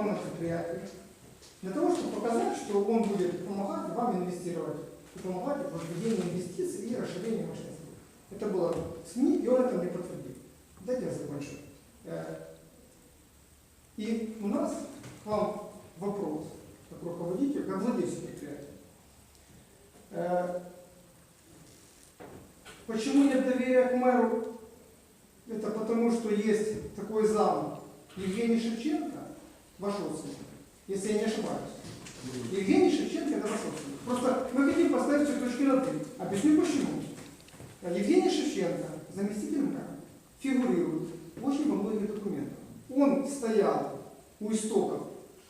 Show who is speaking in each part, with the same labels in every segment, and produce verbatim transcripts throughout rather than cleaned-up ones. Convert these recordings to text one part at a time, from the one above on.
Speaker 1: на предприятие, для того, чтобы показать, что он будет помогать вам инвестировать, и помогать в введении инвестиций и расширении мощности. Это было в СМИ, и он это мне подтвердил. Дайте я закончу. И у нас к вам вопрос, как руководитель, как владельца предприятия. Почему нет доверия к мэру? Это потому, что есть такой зам Евгений Шевченко, ваш родственник, если я не ошибаюсь. Евгений Шевченко это ваш родственник. Просто мы хотим поставить все точки над «и». Объясню почему. Евгений Шевченко, заместитель мэра, фигурирует очень во многих документах. Он стоял у истоков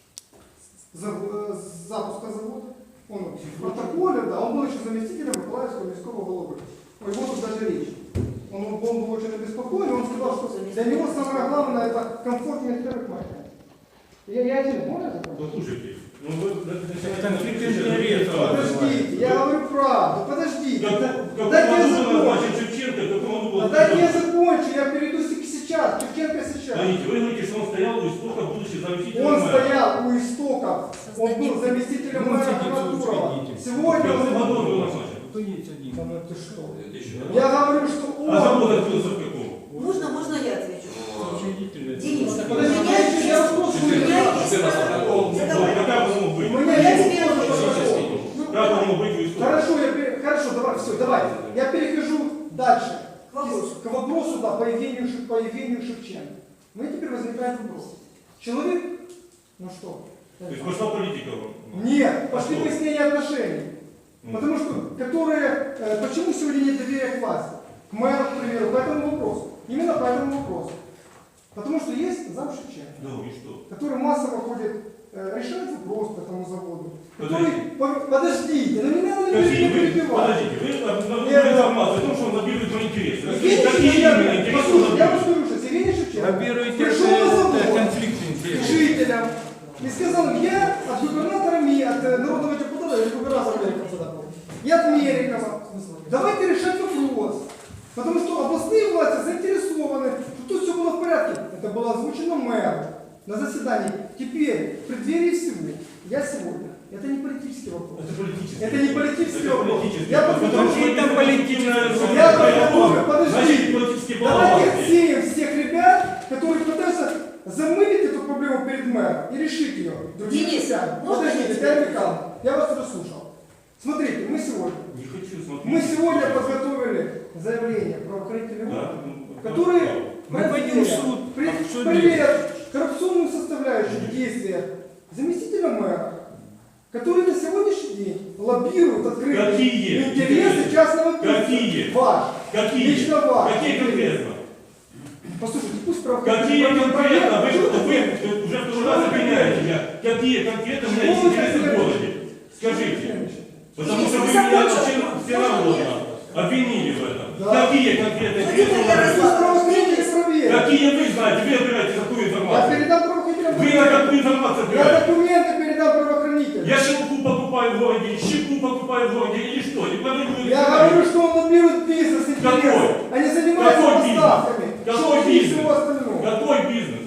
Speaker 1: запуска завода, он в протоколе, да, он был еще заместителем Миколаевского міського головы. О его тут даже речь. Он, он был очень обеспокоен, он сказал, что для него самое главное это комфортный первых маркет. Я, я один, можно закончить?
Speaker 2: Послушайте, ну вы...
Speaker 3: Конфликт интересов.
Speaker 1: Подождите, я говорю правду, подождите.
Speaker 2: Как
Speaker 1: Дайте я
Speaker 2: назначен
Speaker 1: закончу.
Speaker 2: Шевченко, как он был...
Speaker 1: Дайте я закончу, я перейду сейчас, Шевченко сейчас.
Speaker 2: Смотрите, вы говорите, что он стоял у истоков, будучи заместителем
Speaker 1: Он
Speaker 2: мэра.
Speaker 1: стоял у истоков, он был заместителем мэра Краматурова. Сегодня
Speaker 2: В
Speaker 1: он...
Speaker 2: каком году он был назначен?
Speaker 1: Да ну ты что? Я говорю, что он...
Speaker 2: А завод открылся в каком?
Speaker 4: Можно, можно я отвечу? Денис, у
Speaker 1: Подождите,
Speaker 4: меня есть,
Speaker 1: я вопрос
Speaker 4: у меня
Speaker 1: задам.
Speaker 4: есть. Задавай.
Speaker 2: Как он мог быть?
Speaker 1: У меня
Speaker 4: Я
Speaker 1: есть
Speaker 4: тебе
Speaker 1: вопрос.
Speaker 4: отвечу. Ну,
Speaker 2: Как он мог быть у истоков?
Speaker 1: Хорошо, я пере- хорошо, давай, все, давайте. Я перехожу дальше.
Speaker 4: К вопросу.
Speaker 1: К вопросу, да, по Евгению, Шев- по Евгению Шевченко. Мы теперь возникает вопрос. Человек, ну что?
Speaker 2: То есть пошла политика?
Speaker 1: Нет, пошли
Speaker 2: А что?
Speaker 1: выяснения отношений.
Speaker 2: Ну.
Speaker 1: Потому что, которые, э, почему сегодня нет доверия к власти? К мэру, к примеру, по этому вопросу. Именно по этому вопросу. Потому что есть зам Шевченко,
Speaker 2: Да, и что?
Speaker 1: который массово ходит, э, решает вопрос по этому заводу.
Speaker 2: Подождите.
Speaker 1: Который, по- подождите, ну не надо
Speaker 2: Какие
Speaker 1: меня
Speaker 2: вы,
Speaker 1: перебивать.
Speaker 2: подождите, вы обнаружили
Speaker 1: Нет.
Speaker 2: информацию о том, что он лоббирует мои интересы.
Speaker 1: Евгений
Speaker 2: Какие именно
Speaker 1: Шевченко,
Speaker 2: интересы он
Speaker 1: послушайте, я вам
Speaker 2: лоббирует?
Speaker 1: скажу сейчас, Евгений Шевченко
Speaker 3: Лоббируете
Speaker 1: пришел на завод
Speaker 3: конфликт
Speaker 1: к
Speaker 3: интересов.
Speaker 1: жителям и сказал, я от губернатора МИ, от э, народного депутата, или губернатора Мерикова, тогда помню, и от Мерикова, давайте решать вопрос. Потому что областные власти заинтересованы, что тут все было в порядке. Это было озвучено мэром на заседании. Теперь, в преддверии всего, я сегодня, это не политический вопрос.
Speaker 2: Это политический.
Speaker 1: Это не политический
Speaker 2: Это
Speaker 1: вопрос.
Speaker 2: политический.
Speaker 1: Я
Speaker 2: Потому
Speaker 1: подготовлю-
Speaker 2: что это политическое.
Speaker 1: Я подготовлю,
Speaker 2: Значит,
Speaker 1: подожди.
Speaker 2: политический
Speaker 1: Давайте
Speaker 2: баланс.
Speaker 1: отсеем всех ребят, которые пытаются замылить эту проблему перед мэром и решить ее. Другими
Speaker 4: Денис,
Speaker 1: путями.
Speaker 4: можно
Speaker 1: Подождите,
Speaker 4: я
Speaker 1: Татьяна Михайловна, я вас услышал. Смотрите, мы сегодня,
Speaker 2: Не хочу смотреть.
Speaker 1: мы сегодня подготовили заявление правоохранительных
Speaker 2: Да,
Speaker 1: органов,
Speaker 2: ну,
Speaker 1: которые
Speaker 3: Мы пойдем в суд,
Speaker 1: при-
Speaker 3: обсудим.
Speaker 1: проверят коррупционную составляющую в действиях заместителя мэра, который на сегодняшний день лоббирует открытые
Speaker 2: Какие?
Speaker 1: интересы частного бизнеса.
Speaker 2: Какие?
Speaker 1: Ваш.
Speaker 2: Какие?
Speaker 1: Лично ваш.
Speaker 2: Какие конкретно?
Speaker 1: Послушайте, пусть
Speaker 2: Какие
Speaker 1: правоохранительные
Speaker 2: конкретно? Вы,
Speaker 1: органы-
Speaker 2: вы уже второй раз обвиняете меня. Какие конкретно у меня есть
Speaker 1: Что вы
Speaker 2: интересы в
Speaker 1: хотели?
Speaker 2: городе? Скажите. Потому
Speaker 4: Денис,
Speaker 2: что
Speaker 4: вы
Speaker 2: вы меня
Speaker 4: закончили?
Speaker 2: очень всенародно обвинили в этом.
Speaker 1: Да.
Speaker 2: Какие конкретные
Speaker 4: Ну,
Speaker 2: интересы у
Speaker 4: теперь
Speaker 2: вас
Speaker 4: я
Speaker 2: есть?
Speaker 1: Пусть правоохранители проверят.
Speaker 2: Какие вы знаете? Вы опираете какую
Speaker 1: Я
Speaker 2: информацию?
Speaker 1: передам правоохранителям.
Speaker 2: Вы на какую информацию
Speaker 1: Я
Speaker 2: опираетесь?
Speaker 1: документы передам правоохранителям.
Speaker 2: Я шелку покупаю в городе, щеку покупаю в городе или что? Не подойду.
Speaker 1: Я говорю, что он лоббирует бизнес
Speaker 2: Какой?
Speaker 1: интересы. Они занимаются
Speaker 2: Какой бизнес?
Speaker 1: поставками.
Speaker 2: Какой
Speaker 1: шелка и
Speaker 2: бизнес?
Speaker 1: всего остального.
Speaker 2: Какой бизнес?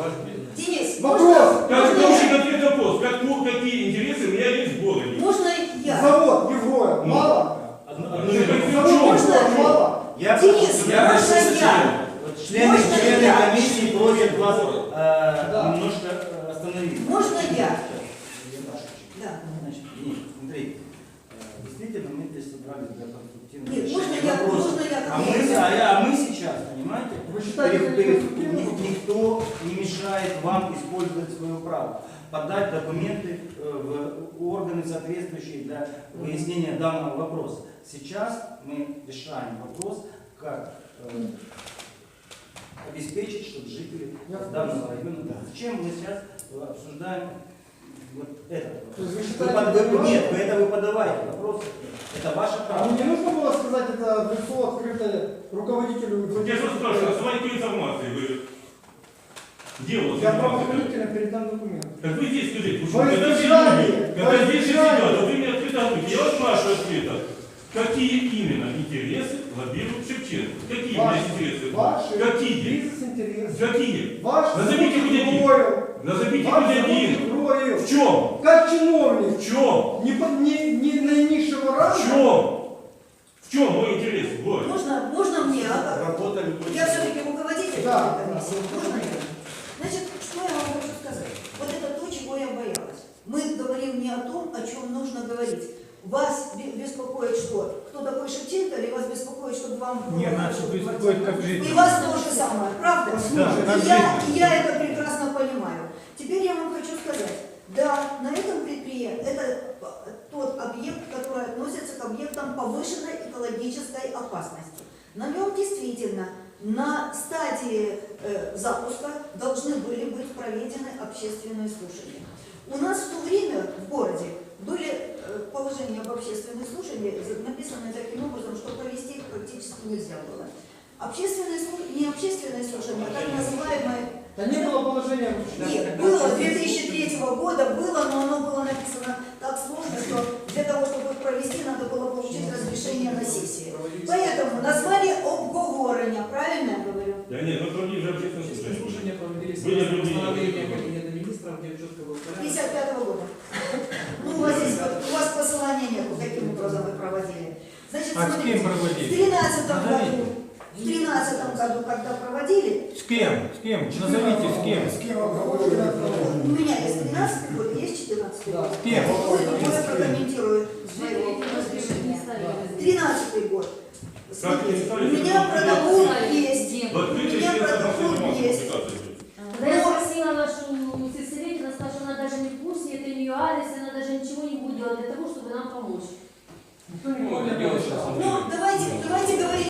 Speaker 4: Денис,
Speaker 1: Вопрос.
Speaker 4: можно,
Speaker 2: Как
Speaker 4: можно,
Speaker 2: очень
Speaker 4: я,
Speaker 2: конкретный вопрос. Как, ну, какие интересы у меня есть в городе?
Speaker 4: можно я?
Speaker 1: Завод Евроя.
Speaker 2: Ну.
Speaker 1: Мало?
Speaker 2: Ну, это в
Speaker 1: Завод
Speaker 2: чем?
Speaker 1: Евроя мало?
Speaker 5: Я,
Speaker 4: Денис,
Speaker 5: я
Speaker 4: можно
Speaker 5: прошу
Speaker 4: я?
Speaker 5: члены,
Speaker 4: Можно
Speaker 5: члены
Speaker 4: я?
Speaker 5: комиссии просят вас э,
Speaker 1: Да.
Speaker 5: немножко э, остановиться.
Speaker 4: Можно я?
Speaker 5: Сейчас.
Speaker 4: Да.
Speaker 5: Значит, Денис, смотрите, э, действительно мы здесь собрались для конструктивного
Speaker 4: Нет, можно
Speaker 5: решения
Speaker 4: я,
Speaker 5: вопроса.
Speaker 4: можно я?
Speaker 5: А мы, а, а мы сейчас, понимаете,
Speaker 1: Вы считаете,
Speaker 5: перед-
Speaker 1: это
Speaker 5: перед-
Speaker 1: конструктивный
Speaker 5: ни-
Speaker 1: вопрос?
Speaker 5: никто не мешает вам использовать свое право, подать документы э, в органы соответствующие для выяснения данного вопроса. Сейчас мы решаем вопрос, как э, обеспечить, чтобы жители
Speaker 1: Я
Speaker 5: данного района. Да. Зачем мы сейчас э, обсуждаем вот этот
Speaker 1: То есть вы
Speaker 5: вопрос? Вы
Speaker 1: считаете,
Speaker 5: под-
Speaker 1: это
Speaker 5: вы-
Speaker 1: ваше?
Speaker 5: нет, вы это вы подавайте вопрос. Это ваше
Speaker 1: А
Speaker 5: право.
Speaker 1: мне не нужно было сказать это в лицо открытое руководителю?
Speaker 2: Я же вас спрашиваю, на основании какой информации вы делаете?
Speaker 1: Я правоохранителям передам документы.
Speaker 2: Так вы здесь скажите,
Speaker 1: Во
Speaker 2: потому что когда здесь
Speaker 1: избежание,
Speaker 2: люди,
Speaker 1: во
Speaker 2: когда здесь же
Speaker 1: избежание.
Speaker 2: сидят, вот вы мне открыто говорите, я вас спрашиваю ответа, какие именно интересы лоббирует Шевченко? Какие у меня
Speaker 1: Ваши,
Speaker 2: интересы?
Speaker 1: ваши
Speaker 2: Какие?
Speaker 1: бизнес-интересы.
Speaker 2: Какие?
Speaker 1: Ваш
Speaker 2: Назовите хоть один.
Speaker 1: Евройл.
Speaker 2: Назовите
Speaker 1: Вас
Speaker 2: хоть
Speaker 1: зовут
Speaker 2: один.
Speaker 1: Гроев.
Speaker 2: В чем?
Speaker 1: Как чиновник.
Speaker 2: В чем?
Speaker 1: Не, по- не, не наинизшего
Speaker 2: В
Speaker 1: ранга.
Speaker 2: чем? В чем мой интерес? Вот.
Speaker 4: Можно, можно мне? А?
Speaker 5: Работа любой.
Speaker 4: Я все-таки руководитель
Speaker 1: Да,
Speaker 4: этой комиссии.
Speaker 1: да.
Speaker 4: Можно мне? Значит, что я вам хочу сказать? Вот это то, чего я боялась. Мы говорим не о том, о чем нужно говорить. Вас бе- беспокоит что? Кто такой Шевченко, или вас беспокоит, чтобы вам было...
Speaker 3: Не, нас беспокоит как жизнь.
Speaker 4: И вас то же самое, правда?
Speaker 3: Да, как
Speaker 4: И я,
Speaker 3: жизнь.
Speaker 4: и я это прекрасно понимаю. Теперь я вам хочу сказать, да, на этом предприятии, это тот объект, который относится к объектам повышенной экологической опасности. На нем действительно на стадии э, запуска должны были быть проведены общественные слушания. У нас в то время в городе были э, положения об общественных слушаниях, написаны таким образом, что провести их практически нельзя было. Общественные слушания, не общественные слушания, а так называемые...
Speaker 1: Да не было положения вообще.
Speaker 4: Нет, было две тысячи третьего года, было, но оно было написано так сложно, что для того, чтобы их провести, надо было получить разрешение на сессии. Поэтому назвали обговорення, правильно я говорю?
Speaker 2: Да нет, мы провели же общественное слушание.
Speaker 6: Слушания проводились
Speaker 2: Были
Speaker 6: согласно
Speaker 2: люди-
Speaker 6: постановлениям Кабинета министров, где четко был порядок.
Speaker 4: пятьдесят пятого года. Ну, у вас здесь, у вас посылания нету, каким образом вы проводили. Значит,
Speaker 3: А с
Speaker 4: смотрите,
Speaker 3: кем
Speaker 4: в
Speaker 3: проводили?
Speaker 4: тринадцатом
Speaker 3: Назовите.
Speaker 4: году, в тринадцатом году, когда проводили,
Speaker 3: С кем? С кем? Назовите с кем?
Speaker 1: С кем обговорили?
Speaker 4: у меня есть тринадцатый год, есть четырнадцатый год.
Speaker 3: С кем?
Speaker 4: Ой, я прокомментирую своего разрешения. тринадцатый год.
Speaker 2: Как
Speaker 4: Смотрите,
Speaker 2: не
Speaker 4: у
Speaker 2: ставите,
Speaker 4: меня
Speaker 2: что
Speaker 4: протокол,